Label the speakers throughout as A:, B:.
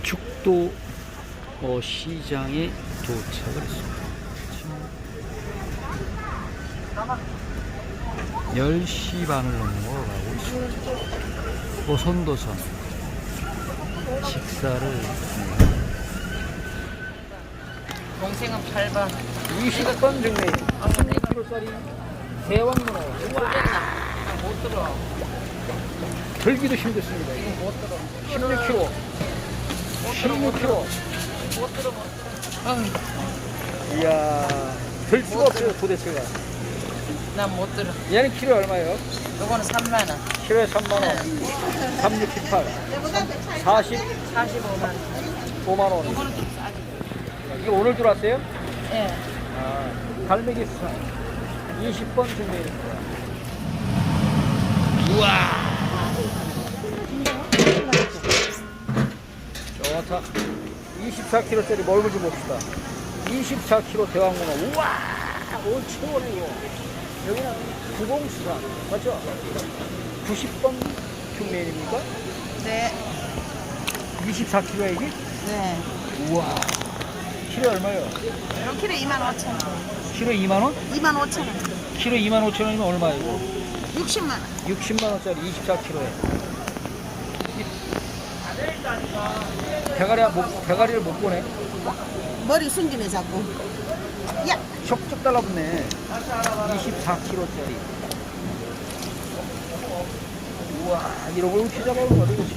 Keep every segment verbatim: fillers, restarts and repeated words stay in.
A: 죽도 어, 시장에 도착을 했습니다. 열 시 반을 넘어 가고 있습니다. 오선도선 식사를 했습니다.
B: 동생은 팔 번.
A: 이십 번 중에 십육 킬로그램짜리 대왕문어.
B: 못 들어.
A: 들기도 힘들습니다. 이거
B: 못 들어.
A: 십육 킬로그램. 십육 킬로그램.
B: 못 들어, 못 들어.
A: 이야, 들 수가 없어요, 도대체가.
B: 난 못 들어.
A: 얘는 키로 얼마예요?
B: 요거는 삼만 원.
A: 키로에 삼만 원. 삼, 육, 칠, 팔. 사십,
B: 사십오만 원.
A: 오만 원.
B: 요거는 좀 싸지.
A: 이게 오늘 들어왔어요?
B: 예.
A: 아, 갈매기 수산. 이십 번 준비입니다. 우와! 좋다. 이십사 킬로그램짜리 멀고 좀 봅시다. 이십사 킬로그램 대왕문어. 우와! 올 최고네, 이거. 여기는 구공수산. 맞죠? 구십 번 흉내입니까?
B: 네.
A: 이십사 킬로그램에 이게?
B: 네.
A: 우와. 키로 얼마요?
B: 이런 키로 이만 오천 원.
A: 키로 이만 원?
B: 이만 오천 원.
A: 키로 이만 오천 원이면 얼마이고?
B: 육십만 원.
A: 육십만 원짜리 이십사 킬로그램에. 대가리, 못, 대가리를 못 보네.
B: 머리 숨기네, 자꾸. 야!
A: 촉촉 달라붙네. 이십사 킬로그램짜리. 우와, 이런 걸 어떻게 잡아오는 거야, 도대체.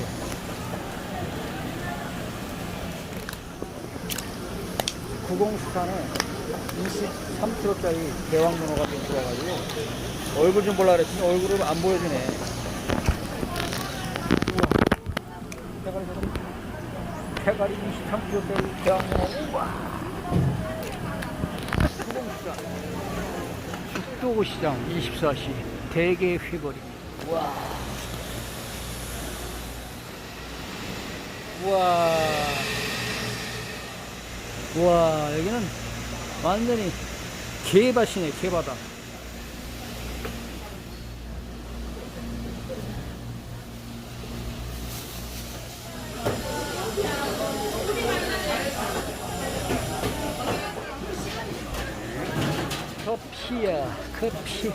A: 구공수산에 이십삼 킬로그램짜리 대왕문어가 좀 들어와가지고 얼굴 좀 보려고 그랬더니 얼굴을 안 보여주네. 우와. 대가리, 대가리 이십삼 킬로그램짜리 대왕문어. 우와. 죽도시장 이십사 시 대게 휘거리. 와. 와. 와, 여기는 완전히 개밭이네, 개바다. 커피야, 커피.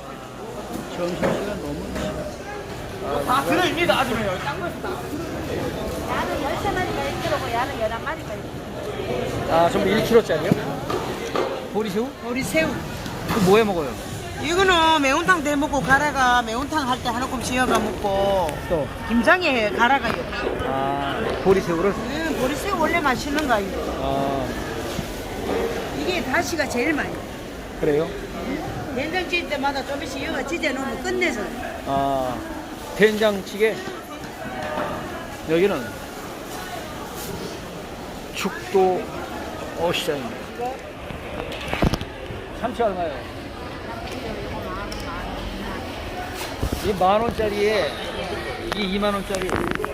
A: 점심시간 너무
B: 아, 다 들어입니다, 아줌마. 여기 딴 거에서 다.
C: 야는 열세 마리가 일 킬로그램고 야는 열한 마리가 일 킬로그램.
A: 아, 전부 일 킬로그램짜리요? 보리새우?
B: 우리 새우.
A: 그 뭐해 먹어요?
B: 이거는 매운탕 대 먹고 가라가 매운탕 할 때 한 움큼 지어가 먹고
A: 또,
B: 김장에 가라가요.
A: 아, 보리새우를?
B: 음, 보리새우 원래 맛있는 거 아니고
A: 아,
B: 이게 다시가 제일 많이.
A: 그래요?
B: 된장 찌을 때마다 조금씩 이어가 찢어 놓으면 끝내서.
A: 아, 된장찌개. 여기는 죽도 어시장입니다. 참치 얼마요? 이 만 원짜리에 이 이만 원짜리.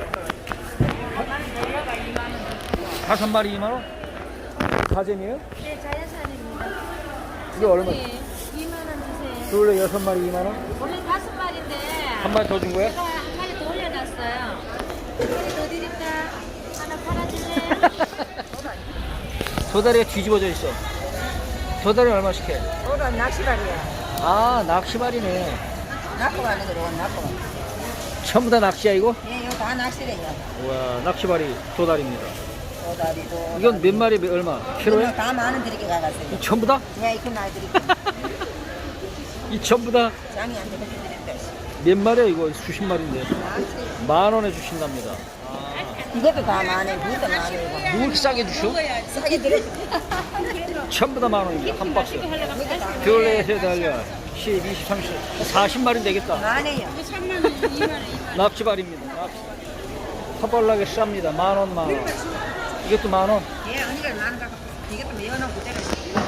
A: 다섯 마리 이만 원? 가재미에요?
C: 네, 자연산입니다.
A: 이게 얼마?
C: 네, 이만 원 주세요.
A: 둘레 여섯 마리 이만 원?
C: 원래 다섯 마리인데
A: 한 마리 더 준 거야?
C: 제가 한 마리 더 올려놨어요. 한 마리 더 드릴까? 하나 팔아줄래요?
A: 도다리가 뒤집어져 있어. 도다리 얼마씩 해?
B: 오늘 낚시발이야.
A: 아, 낚시발이네.
B: 낚고 가는 거로 낚고.
A: 전부 다 낚시야, 이거?
B: 예, 이거 다 낚시래요.
A: 우와, 낚시발이 도다리입니다.
B: 도다리도.
A: 이건 몇 마리 몇- 얼마? 키로에?
B: 다 만원 드리게 가갔어요.
A: 이 전부 다?
B: 예, 이거 나 드릴게요.
A: 이 전부 다 몇
B: 장이 안 되면 드릴게요.
A: 마리야, 이거? 수십 마리인데. 만 원에 주신답니다.
B: 이것도 다 만원, 그것도 만원이고.
A: 뭐 이렇게 싸게 주셔?
B: 싸게 드려.
A: 전부 다 만 원입니다. 한 박스. 둘레세 달려. 십, 이십, 삼십, 사십 마리 되겠다.
B: 만원이요.
A: 납치발입니다. 납치. 허벌나게 쌉니다. 만 원, 만 원. 이것도 만 원.
B: 예, 언니가 만원 갖고 이것도 매워놓고 때려.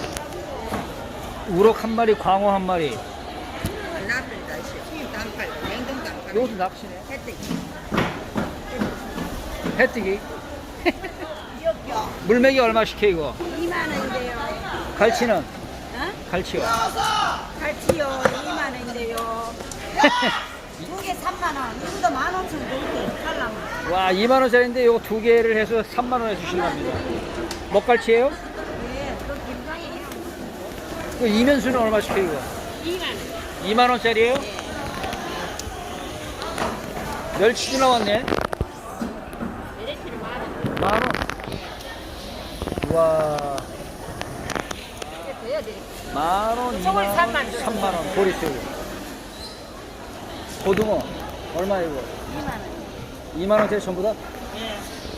A: 우럭 한 마리, 광어 한 마리.
B: 나쁘다, 씨. 단팔, 냉동 단팔.
A: 이것도 낚시네.
B: 햇빛.
A: 해뜨기.
B: 귀엽죠?
A: 물맥이 얼마씩 해, 이거?
C: 이만 원인데요.
A: 갈치는?
C: 어?
A: 갈치요.
C: 갈치요, 이만 원인데요. 두 개 삼만 원. 이거도 만 원천 넘게 살라면.
A: 와, 이만 원짜리인데 요거 두 개를 해서 삼만 원에 주신답니다. 먹갈치예요?
B: 네, 또 김장이
A: 그 이면수는 얼마씩 해요, 이거?
B: 이만 원.
A: 이만 원짜리예요? 멸치도 나왔네.
B: 메리트는 만 원.
A: 만 원. 와,
B: 돼야 돼.
A: 만 원, 이만
B: 저걸
A: 원,
B: 삼만 원.
A: 삼만 원. 보리새우. 고등어 얼마 이거?
B: 이만 원.
A: 이만 원짜리 전부 다?
B: 예.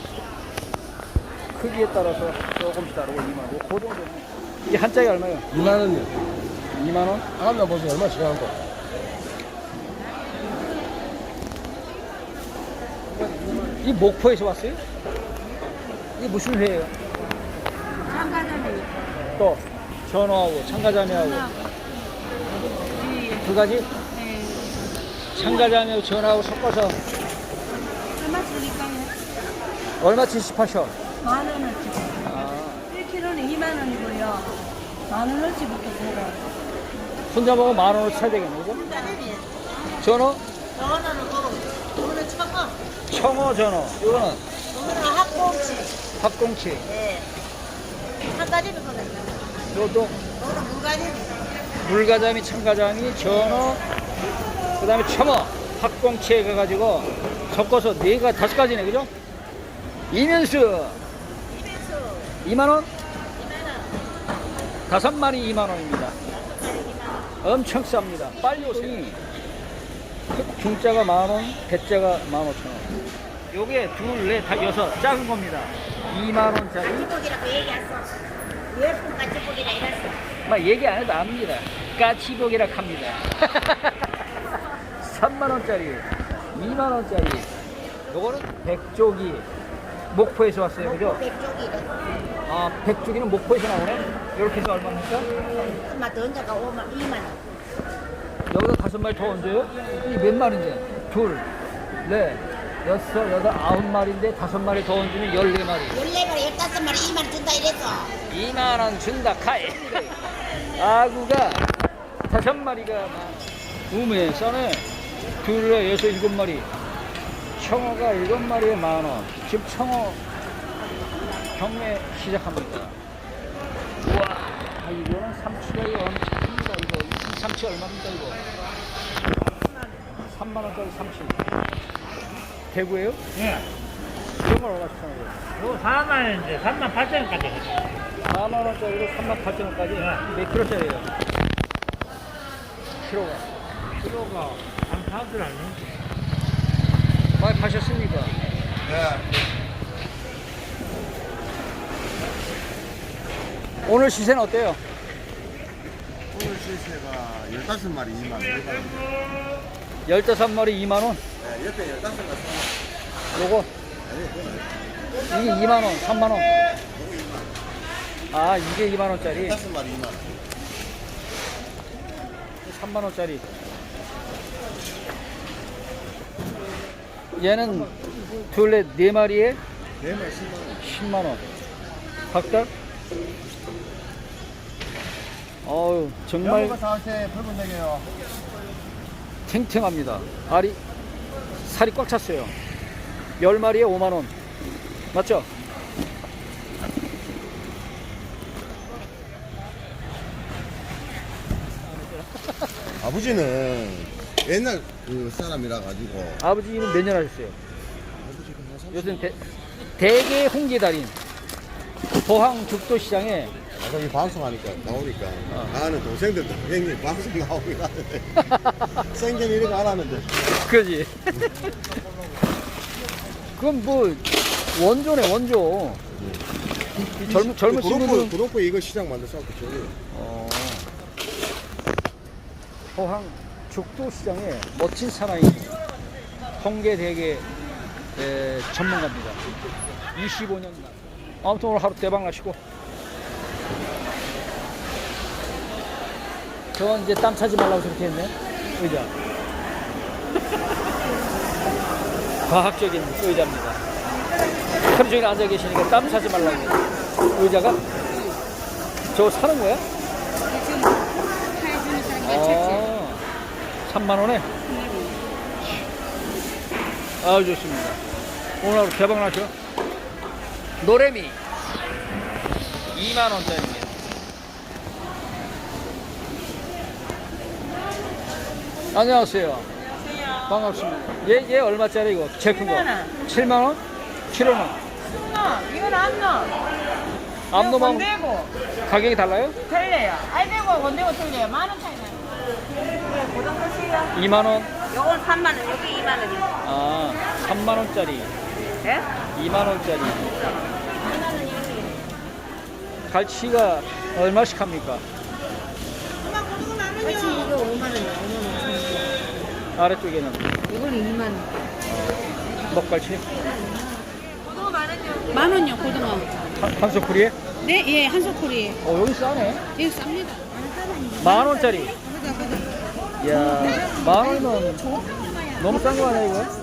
A: 크기에 따라서 조금씩 다르고 이만 원. 고등어는 이게 한 짝이 얼마예요?
D: 이만 원이요.
A: 이만 원?
D: 하나 보세요. 얼마씩 하는 거?
A: 이 목포에서 왔어요? 이게 무슨 회예요?
B: 참가자미.
A: 또 전어하고 참가자미하고 두 가지?
B: 네.
A: 참가자미하고 전어하고 섞어서
B: 얼마 주니까요?
A: 얼마치씩 파셔?
B: 만 원어치.
A: 아,
B: 일 킬로그램는 이만 원이고요. 만 원어치부터 팔아요.
A: 혼자 먹으면 만 원을 사야 되겠네, 그죠? 전어?
B: 저거는 뭐, 저거는 청어.
A: 청어 전어. 이거는
B: 저거는 학꽁치.
A: 합꽁치.
B: 네. 한 가지는 거든요.
A: 이것도
B: 저거는 물가지는.
A: 물가자미, 참가자미, 전어, 그 다음에 청어, 합꽁치에 가가지고 섞어서 네 가 다섯 가지네, 그죠? 이면수
B: 이면수
A: 이만 원?
B: 이만 원.
A: 다섯 마리 이만 원입니다. 엄청 쌉니다. 빨리 오세요. 중자가 만 원, 대자가 만 오천 원. 요게 둘, 넷, 다 여섯 작은 겁니다. 이만 원짜리.
B: 까치복이라고 얘기했어. 예쁜 까치복이라 이랬어.
A: 막 얘기 안 해도 압니다. 까치복이라 합니다. 삼만 원짜리, 이만 원짜리. 요거는 백조기. 목포에서 왔어요, 그죠?
B: 백쪽이래.
A: 아, 백조기는 목포에서 나오네? 이렇게 해서 얼마입니까?
B: 엄마 더 얹어가 오만, 이만 원.
A: 여기다 다섯 마리 더 얹어요? 이 몇 마리인데? 둘, 넷, 여섯, 여덟, 아홉 마리인데 다섯 마리 더 얹으면 열네 마리.
B: 열네 마리, 열다섯 마리, 이만 원 준다 이랬어.
A: 이만 원 준다, 카이. 아구가 다섯 마리가 우메, 싸네. 둘, 여섯, 일곱 마리. 청어가 일곱 마리에 만 원. 지금 청어 경매 시작합니다. 우와, 이거는 삼치가 이거 엄청 큽니다. 이거 이 삼치 얼마입니까 이거? 삼만 원짜리 삼치. 대구예요?
E: 예.
A: 이런 걸 얼마씩 하는 거예요?
E: 이거 사만 원인데 삼만 팔천 원까지 해요.
A: 사만 원짜리로 삼만 팔천 원까지
E: 네.
A: 몇 킬로짜리예요? 키로가.
E: 키로가 한 파들 아니에요?
A: 많이 파셨습니까?
D: 네.
A: 오늘 시세는 어때요?
D: 오늘 시세가 열다섯 마리 이만 원.
A: 열다섯 마리 이만 원?
D: 네, 옆에 열다섯 마리.
A: 요거? 이게 이만 원, 삼만 원? 아, 이게 이만 원짜리?
D: 열다섯 마리 이만 원.
A: 삼만 원짜리. 얘는 둘레 네 마리에
D: 네 마리 십만 원.
A: 십만 원. 각각? 어우, 정말
D: 영어가 사올 때 붉은 되게요.
A: 탱탱합니다. 알이, 살이 꽉 찼어요. 열 마리에 오만 원. 맞죠?
D: 아버지는 옛날 그 사람이라 가지고
A: 아버지는 몇 년 하셨어요?
D: 아버지가 한 삼십
A: 요즘 대, 대개 홍게달인 포항 죽도시장에
D: 아까 이 방송하니까 나오니까
A: 어.
D: 나는 동생들도 형님 방송 나오긴 하는데 생전 이런 거 안 하는데
A: 그지? 그건 뭐 원조네 원조. 이 젊은 젊은
D: 구독부,
A: 친구들
D: 구독부 이거 시장 만들어서 저기
A: 어, 포항 죽도시장에 멋진 사나이 홍게대게 에, 전문가입니다. 이십오 년 날. 아무튼 오늘 하루 대박 나시고. 저건 이제 땀 차지 말라고 저렇게 했네. 의자. 과학적인 의자입니다. 하루 종일 앉아 계시니까 땀 차지 말라고. 의자가? 저거 사는 거야?
B: 지금 해주는 사람이
A: 아, 삼만 원에? 아주 좋습니다. 오늘 하루 대박 나죠? 노래미 이만 원짜리입니다. 안녕하세요.
B: 안녕하세요.
A: 반갑습니다. 얘, 얘 얼마짜리 이거? 제일 큰 거?
B: 칠만 원.
A: 칠만 원? 킬로는?
B: 승너, 이건 안 넣어.
A: 암놈하고
B: 건대고
A: 가격이 달라요?
B: 틀려요. 알배고 건대고 틀려요. 만 원 차이 나요. 고정 끝이에요.
A: 이만 원?
B: 요건 삼만 원, 여기 이만 원이요.
A: 아, 삼만 원짜리,
B: 예?
A: 이만 원짜리. 갈치가 얼마씩 합니까?
C: 같이 이거 오만 원이야. 오만 원.
A: 아래쪽에는
C: 이거는 이만 원.
A: 먹갈치?
C: 만 원요, 고등어.
A: 한, 한 소쿠리에?
C: 네, 예, 한 소쿠리.
A: 어, 여기 싸네.
C: 이거 쌉니다.
A: 만 원짜리. 이야, 만 원이면 너무 싼 거 아니야, 이거?